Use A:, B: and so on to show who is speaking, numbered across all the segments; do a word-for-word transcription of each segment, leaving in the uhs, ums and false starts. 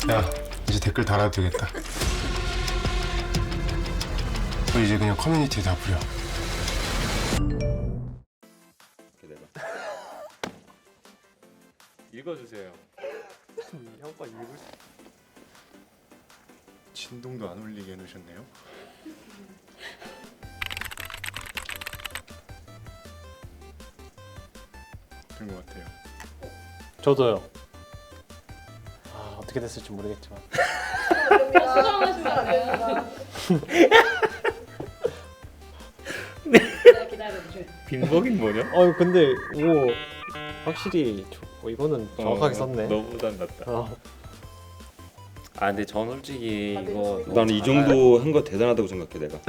A: 야, 이제 댓글 달아도 되겠다. 너 이제 그냥 커뮤니티에 다 뿌려.
B: 읽어주세요.
C: 형과 읽을 수...
A: 진동도 안 울리게 해놓으셨네요. 된 것 같아요.
C: 저도요. 아, 어떻게 됐을지 모르겠지만.
D: 수정하시면 안 됩니다. 네, 기다려주세요.
B: 빈복인 뭐냐?
C: 어, 근데 오 확실히 저, 어, 이거는 정확하게
B: 어,
C: 썼네.
B: 너보단 낫다.
C: 어.
B: 아 근데 전 솔직히
D: 다들
B: 이거
D: 지금-
E: 나는 이 정도 한 거 대단하다고 생각해 내가.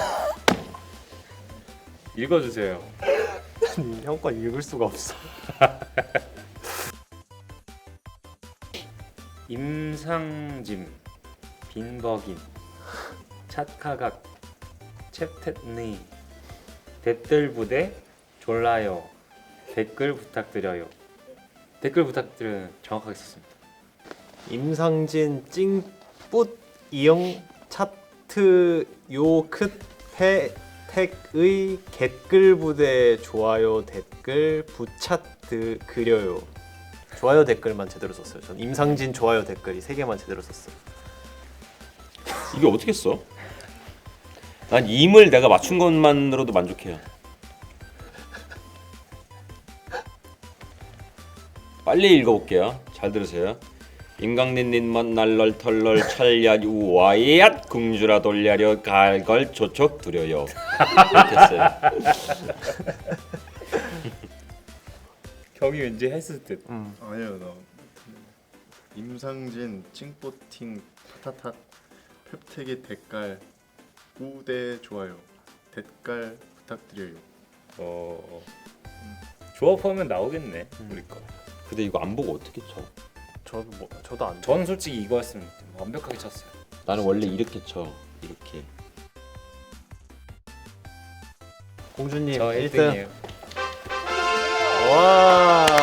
B: 읽어주세요.
C: 형과 읽을 수가 없어.
B: 임상짐, 빈버긴, 찻카각, 챕텟니, 댓글 부대, 졸라요, 댓글 부탁드려요. 댓글 부탁드려요. 정확하게 썼습니다.
C: 임상진 찡뿌 이영 차트 요크 패택의 댓글 부대 좋아요 댓글 부차트 그려요. 좋아요 댓글만 제대로 썼어요. 전 임상진 좋아요 댓글이 세 개만 제대로 썼어요.
E: 이게 어떻게 써? 난 임을 내가 맞춘 것만으로도 만족해요. 빨리 읽어볼게요. 잘 들으세요. 임강린린먼 날럴 털럴 찰야 우와이앗 궁주라 돌려려 갈걸 조촉 두려요. 이렇게 했어요.
B: 형이 왠지 했을 듯.
C: 음.
A: 아니요, 나 임상진 찡뽀팅 타타타 펩택의 댓글 우대 좋아요 댓글 부탁드려요.
B: 어 조합하면 나오겠네.
C: 음.
B: 우리 거.
E: 근데 이거 안 보고 어떻게 쳐?
C: 저도 뭐 저도 안.
B: 저는 솔직히 이거였으면 완벽하게 쳤어요.
E: 나는 원래 이렇게 쳐. 이렇게.
C: 공주님
B: 저
C: 일 등.
B: 일 등이에요.
C: 와.